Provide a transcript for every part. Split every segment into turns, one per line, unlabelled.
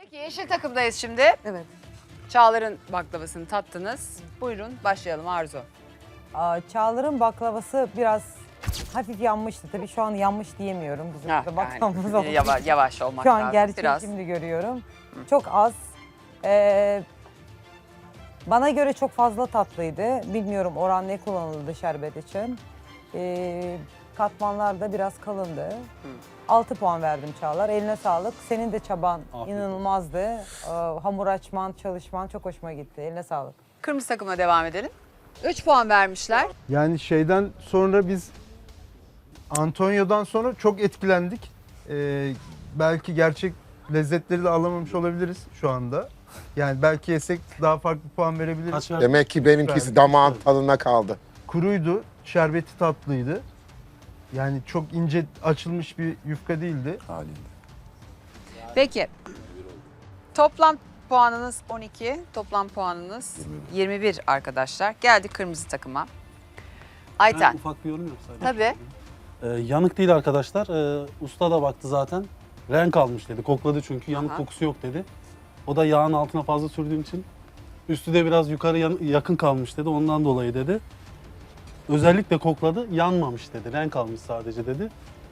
Peki yeşil takımdayız şimdi.
Evet.
Çağlar'ın baklavasını tattınız. Buyurun başlayalım Arzu.
Çağlar'ın baklavası biraz hafif yanmıştı. Tabii şu an yanmış diyemiyorum. Bizim
Ha,
burada baklavamız olduğu için.
yavaş olmak
Şu an
lazım.
gerçeği
Biraz.
şimdi görüyorum. Çok az. Bana göre çok fazla tatlıydı. Bilmiyorum oran ne kullanıldı şerbet için. Katmanlar da biraz kalındı. 6 puan verdim Çağlar. Eline sağlık. Senin de çaban inanılmazdı. Hamur açman, çalışman çok hoşuma gitti. Eline sağlık.
Kırmızı takıma devam edelim. 3 puan vermişler.
Yani şeyden sonra biz Antonio'dan sonra çok etkilendik. Belki gerçek lezzetleri de alamamış olabiliriz şu anda. Yani belki yesek daha farklı puan verebiliriz.
Demek ki benimkisi damağın tadına kaldı.
Kuruydu, şerbeti tatlıydı. Yani çok ince açılmış bir yufka değildi.
Peki. Toplam puanınız 12. Toplam puanınız 21 arkadaşlar. Geldik kırmızı takıma.
Ben
Ayten.
ufak bir yorum yok sadece.
Tabii.
Yanık değil arkadaşlar. Usta da baktı zaten. Renk almış dedi. Kokladı çünkü yanık
Aha.
kokusu yok dedi. O da yağın altına fazla sürdüğüm için üstü de biraz yukarı yakın kalmış dedi. Ondan dolayı dedi. Özellikle kokladı. Yanmamış dedi. Renk almış sadece dedi.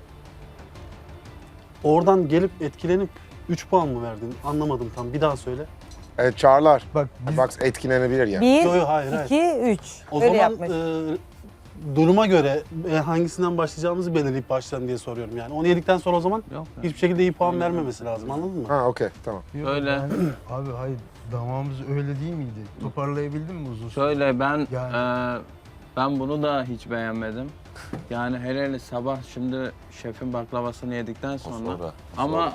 Oradan gelip etkilenip 3 puan mı verdin? Anlamadım tam. Bir daha söyle.
Evet Çağlar.
Bak biz
Bak etkilenebilir ya.
1,
Yo, yo, hayır,
2, 3.
O
Öyle
zaman
yapmış.
duruma göre hangisinden başlayacağımızı belirleyip başlayalım diye soruyorum yani. Onu yedikten sonra o zaman
Yok be.
hiçbir şekilde iyi puan vermemesi lazım, anladın mı?
Ha okey tamam.
Öyle.
Abi hayır, damağımız öyle değil miydi? Toparlayabildin mi uzun süre?
Şöyle ben
Yani-
ben bunu da hiç beğenmedim. Yani hele sabah şimdi şefin baklavasını yedikten sonra ama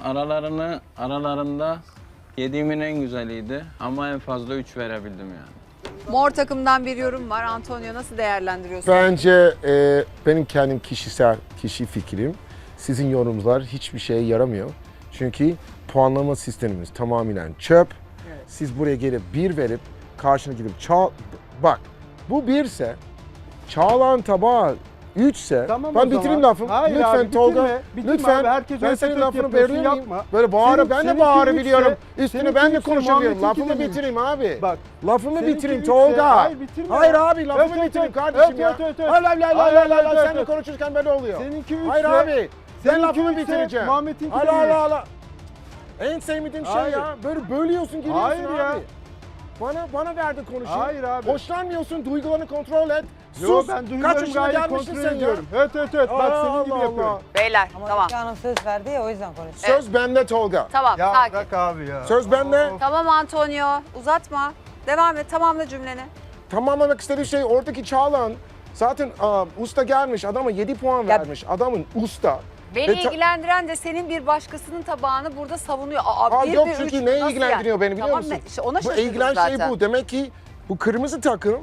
aralarında yediğimin en güzeliydi ama en fazla 3 verebildim yani.
Mor takımdan bir yorum var. Antonio nasıl değerlendiriyorsun?
Bence benim kendim kişi fikrim. Sizin yorumlar hiçbir şeye yaramıyor. Çünkü puanlama sistemimiz tamamen çöp. Siz buraya gelip 1 verip karşına gidip bak bu 1 ise Çağla'nın tabağı 3 ise
Tamam
ben
o
bitireyim
zaman.
lafımı.
Hayır
Lütfen
abi,
Tolga.
bitirme
Lütfen.
abi, herkes
Ben
öyle
senin
tek
lafını
yapıyorsun,
bölüyor muyum?
yapma.
Böyle bağıra ben de
Seninki
bağırabiliyorum.
üçse-
Üstüne ben de
üçse
konuşabiliyorum.
Muhammed'inki
Lafımı
de üç.
bitireyim abi.
Bak.
Lafımı
seninki
bitireyim
üçse-
Tolga.
Hayır bitirme.
Hayır abi lafımı
Evet,
bitireyim
evet,
kardeşim
evet,
ya.
evet, evet.
Hayır hayır hayır
Hayır,
hayır
hayır,
hayır
evet,
sen de
evet.
konuşurken böyle oluyor.
Seninki 3
Hayır abi. Sen
seninki
lafımı
üçse
bitireceğim.
Muhammed'inki
Hayır
de
hayır
üç.
hayır. En sevmediğim şey
Hayır.
ya. Böyle bölüyorsun giriyorsun
Hayır
abi.
ya.
Bana verdi konuşayım.
Hayır abi.
Hoşlanmıyorsun, duygularını kontrol et.
Yo
Sus.
ben
Kaç
duygularımı
yaşına
gayet
gelmişsin
kontrol
sen ya?
ediyorum. Evet evet evet. Bak senin gibi
Allah
yapıyorum.
Allah.
Beyler
Ama
tamam.
Öykü Hanım söz verdi ya o yüzden konuşuyor.
Söz bende Tolga.
Tamam
Ya
sakin.
bırak abi ya.
Söz bende.
Tamam Antonio uzatma. Devam et tamamla cümleni.
Tamamlamak istediği şey oradaki Çağlan zaten usta gelmiş adama 7 puan vermiş. Adamın usta.
Beni
Ve ta-
ilgilendiren de senin bir başkasının tabağını burada savunuyor.
Yok
bir,
çünkü
üç,
ne
nasıl
ilgilendiriyor beni biliyor
Tamam,
musun?
işte ona
Bu
şaşırdım
ilgilen
zaten.
şey bu. Demek ki bu kırmızı takım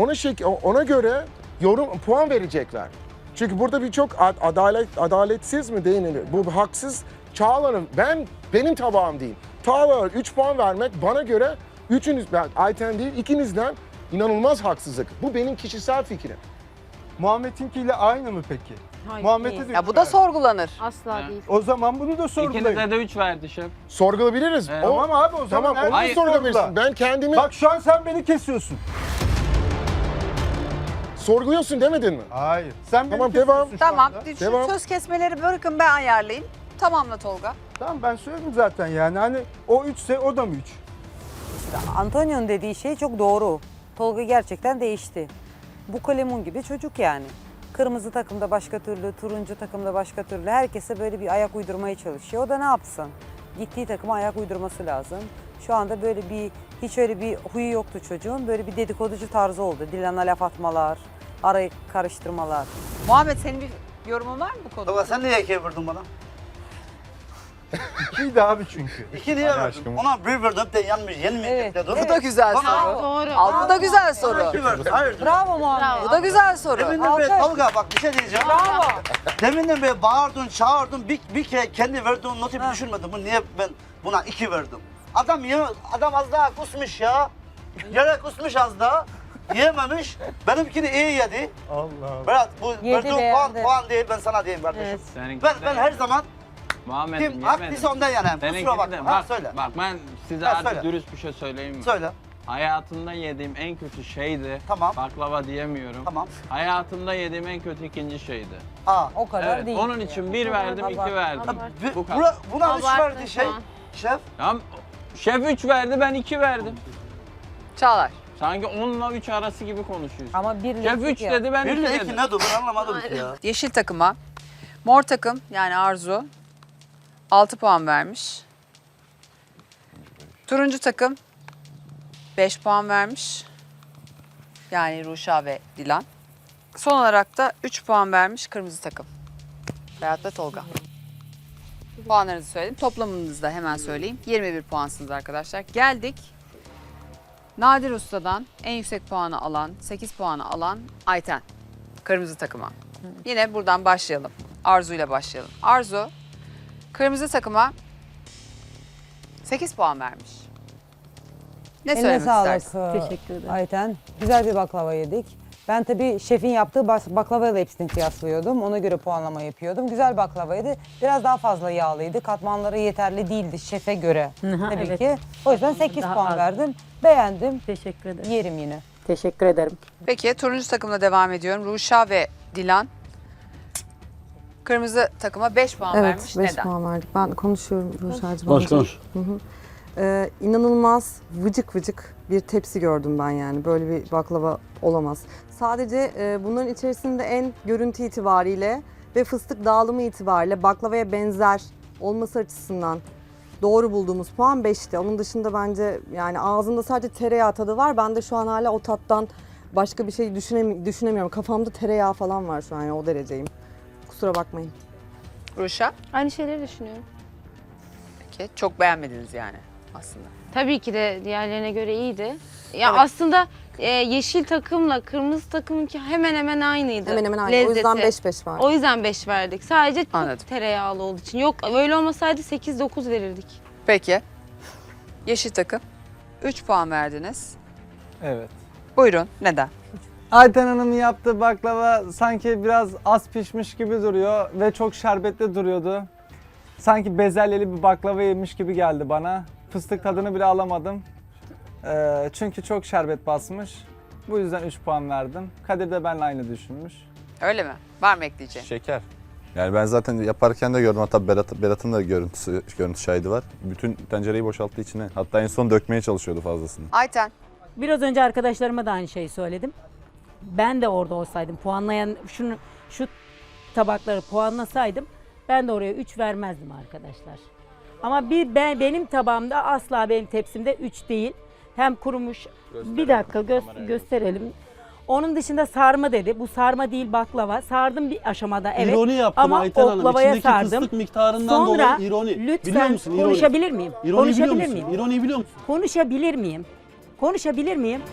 ona göre puan verecekler. Çünkü burada birçok adaletsiz mi deniliyor? Bu haksız Çağla'nın benim tabağım değil. Çağla'ya 3 puan vermek bana göre Ayten değil ikinizden inanılmaz haksızlık. Bu benim kişisel fikrim.
Muhammed'inkiyle aynı mı peki?
Hayır,
Muhammed'e
değil.
de
Ya
üç
bu da
verdi.
sorgulanır.
Asla değil.
O zaman bunu da sorgulayın.
İkinize de 3 verdi şef.
Sorgulayabiliriz.
Evet.
Tamam abi o zaman
Tamam onu
herkes
sorgulayabilirsin.
sorgula.
Ben kendimi
Bak şu an sen beni kesiyorsun.
sorguluyorsun demedin mi?
Hayır. Sen beni
Tamam,
kesiyorsun
devam.
şu
Tamam
anda.
şu
Devam.
söz kesmeleri bırakın ben ayarlayayım. Tamamla Tolga.
Tamam ben söyledim zaten yani hani o 3'se o da mı 3?
Antonio'nun dediği şey çok doğru. Tolga gerçekten değişti. Bu kalemun gibi çocuk yani. Kırmızı takımda başka türlü, turuncu takımda başka türlü. Herkese böyle bir ayak uydurmaya çalışıyor. O da ne yapsın? Gittiği takıma ayak uydurması lazım. Şu anda böyle hiç öyle bir huyu yoktu çocuğun. Böyle bir dedikoducu tarzı oldu. Dilan'a laf atmalar, arayı karıştırmalar.
Muhammed senin bir yorumun var mı bu konuda?
Baba sen niye 2 verdin bana?
2'ydi abi çünkü.
2 niye verdin? Ona 1 verdim de yanmış, yenmeyecek
Evet,
dedim.
Bu da güzel
Bana
soru.
Doğru.
Al bu da güzel soru.
2 verdin, hayır.
Bravo Muhammed.
Bu da güzel soru.
Deminden beri
Alkış.
Tolga bak bir şey diyeceğim.
Bravo.
Deminden beri bağırdın, çağırdın, bir kere kendi verdiğin notu bir düşünmedin. Bu niye ben buna 2 verdim? Adam az daha kusmuş ya. Yere kusmuş az daha. Yiyememiş. Benimkini iyi yedi.
Allah Allah.
Berat bu
Yedi,
verdiğin
beğendi.
puan değil ben sana diyeyim kardeşim.
Evet.
Seninki
Ben her zaman
Muhammed'im
Kim
yemedim.
haklıysa ondan yanayım. Kusura
Seninkini
bakma.
de
Ha,
bak,
söyle.
bak ben size
Ha,
artık
söyle.
dürüst bir şey söyleyeyim mi?
Söyle.
Hayatımda yediğim en kötü şeydi.
Tamam.
Baklava diyemiyorum.
Tamam.
Hayatımda yediğim en kötü ikinci şeydi.
Aa.
O kadar
Evet,
değil.
onun için bir verdim, iki verdim. Bu kadar.
Buna 3
Abarttın
verdi
şu
şey.
an.
Şef.
Tamam. Şef 3 verdi, ben 2 verdim.
Çağlar.
Sanki 10'la 3 arası gibi konuşuyorsun.
Ama bir
Şef
lezzet
3
ya.
dedi, ben 2
1 ile 2
dedim.
ne dur ben anlamadım ki ya.
Yeşil takıma, mor takım yani Arzu 6 puan vermiş. Turuncu takım 5 puan vermiş. Yani Ruşa ve Dilan. Son olarak da 3 puan vermiş kırmızı takım. Berat ve Tolga. Puanlarınızı söyledim. Toplamınızı da hemen söyleyeyim. 21 puansınız arkadaşlar. Geldik. Nadir Usta'dan en yüksek puanı alan, 8 puanı alan Ayten. Kırmızı takıma. Yine buradan başlayalım. Arzu ile başlayalım. Arzu, kırmızı takıma 8 puan vermiş. Ne
Eline
söylemek
sağlık
istersin?
Teşekkür ederim.
Ayten. Güzel bir baklava yedik. Ben tabii şefin yaptığı baklavayla hepsini kıyaslıyordum. Ona göre puanlama yapıyordum. Güzel baklavaydı. Biraz daha fazla yağlıydı. Katmanları yeterli değildi şefe göre. Tabii
evet.
ki. O yüzden 8
Daha
puan
az.
verdim. Beğendim.
Teşekkür ederim.
Yerim yine.
Teşekkür ederim.
Peki turuncu takımla devam ediyorum. Ruşa ve Dilan. Kırmızı takıma 5 puan vermiş.
5
Neden?
puan verdik. Ben konuşuyorum Ruşa'cığım.
Konuş.
İnanılmaz vıcık vıcık bir tepsi gördüm ben yani. Böyle bir baklava olamaz. Sadece bunların içerisinde en görüntü itibariyle ve fıstık dağılımı itibariyle baklavaya benzer olması açısından doğru bulduğumuz puan 5'ti. Onun dışında bence yani ağzımda sadece tereyağı tadı var. Ben de şu an hala o tattan başka bir şey düşünemiyorum. Kafamda tereyağı falan var şu an yani o dereceyim. Kusura bakmayın.
Ruşa.
Aynı şeyleri düşünüyorum.
Peki çok beğenmediniz yani aslında.
Tabii ki de diğerlerine göre iyiydi. Ya aslında yeşil takımla kırmızı takımınki hemen hemen aynıydı.
Hemen hemen aynı. O
Lezzeti.
yüzden 5-5 var.
O yüzden 5 verdik. Sadece çok
Anladım.
tereyağlı olduğu için. Yok öyle olmasaydı 8-9 verirdik.
Peki. Yeşil takım. 3 puan verdiniz.
Evet.
Buyurun. Neden?
Ayten Hanım'ın yaptığı baklava sanki biraz az pişmiş gibi duruyor ve çok şerbetli duruyordu. Sanki bezelyeli bir baklava yemiş gibi geldi bana. Fıstık tadını bile alamadım. Çünkü çok şerbet basmış. Bu yüzden 3 puan verdim. Kadir de benimle aynı düşünmüş.
Öyle mi? Var mı ekleyeceğin?
Şeker. Yani ben zaten yaparken de gördüm, hatta Berat'ın da görüntü şahidi var. Bütün tencereyi boşalttı içine. Hatta en son dökmeye çalışıyordu fazlasını.
Ayten.
Biraz önce arkadaşlarıma da aynı şeyi söyledim. Ben de orada olsaydım, puanlayan şu tabakları puanlasaydım ben de oraya 3 vermezdim arkadaşlar. Ama benim tabağımda asla benim tepsimde 3 değil. Hem kurumuş. Bir dakika gösterelim. Onun dışında sarma dedi. Bu sarma değil baklava. Sardım bir aşamada evet.
İroni yaptım
Ama
Ayten Hanım.
oklavaya
İçindeki
sardım.
fıstık miktarından
Sonra
dolayı ironi. Biliyor
lütfen
musun ironi?
konuşabilir miyim?
İroni biliyor
Konuşabilir
musun?
miyim?
İroni biliyor musun?
Konuşabilir miyim? Konuşabilir miyim?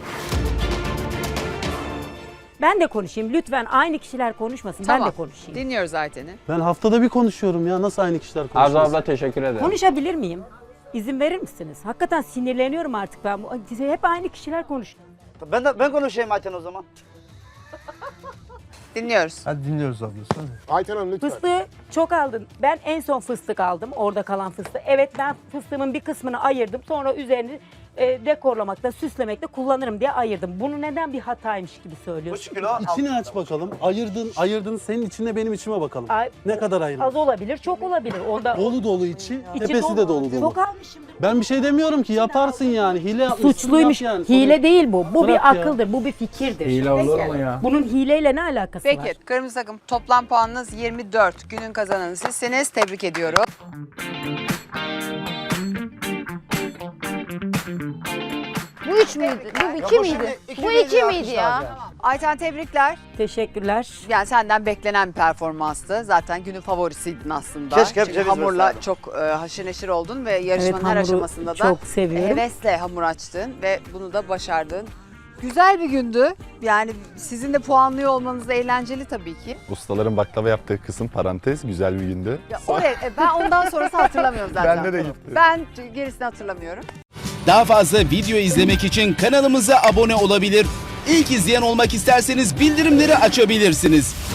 Ben de konuşayım. Lütfen aynı kişiler konuşmasın. Ben de konuşayım.
Dinliyoruz Ayten'i.
Ben haftada bir konuşuyorum ya. Nasıl aynı kişiler
Arzu
konuşuyor?
abla teşekkür ederim.
Konuşabilir miyim? İzin verir misiniz? Hakikaten sinirleniyorum artık ben. Hep aynı kişiler konuşuyor.
Ben konuşayım Ayten o zaman.
Dinliyoruz.
Hadi dinliyoruz abla. Söyle.
Ayten Hanım lütfen.
Fıstığı çok aldın. Ben en son fıstık aldım. Orada kalan fıstığı. Evet ben fıstığımın bir kısmını ayırdım. Sonra üzerini dekorlamakta, süslemekte kullanırım diye ayırdım. Bunu neden bir hataymış gibi söylüyorsun?
3 kilo.
İçini aç bakalım. Ayırdın senin içine benim içime bakalım.
Ay,
Ne kadar ayırdın?
az olabilir, çok olabilir. Onda
Dolu dolu içi,
içi
tepesi de dolu dolu.
Çok almışımdır.
Ben bir şey demiyorum ki, yaparsın yani. Hile yapmışsın,
Suçluymuş.
yap yani.
Hile değil bu. Bu
Bırak
bir
ya.
akıldır, bu bir fikirdir.
Hile olur mu ya?
Bunun hileyle ne alakası var?
Peki kırmızı takım toplam puanınız 24. Günün kazananı sizsiniz. Tebrik ediyorum.
Bu 3 müydü? Bu 2 miydi? Bu 2 miydi ya?
Ayten tebrikler.
Teşekkürler.
Yani senden beklenen bir performanstı. Zaten günün favorisiydin aslında.
Keşke hep
Çünkü
ceviz
hamurla
verseydim.
çok haşır neşir oldun ve yarışmanın her
hamuru
aşamasında da
çok seviyorum.
hevesle hamur açtın ve bunu da başardın. Güzel bir gündü. Yani sizin de puanlıyor olmanız da eğlenceli tabii ki.
Ustaların baklava yaptığı kısım parantez, güzel bir gündü.
Ya oraya, ben ondan sonrası hatırlamıyorum zaten.
Bende de gitti.
Ben gerisini hatırlamıyorum.
Daha fazla video izlemek için kanalımıza abone olabilir. İlk izleyen olmak isterseniz bildirimleri açabilirsiniz.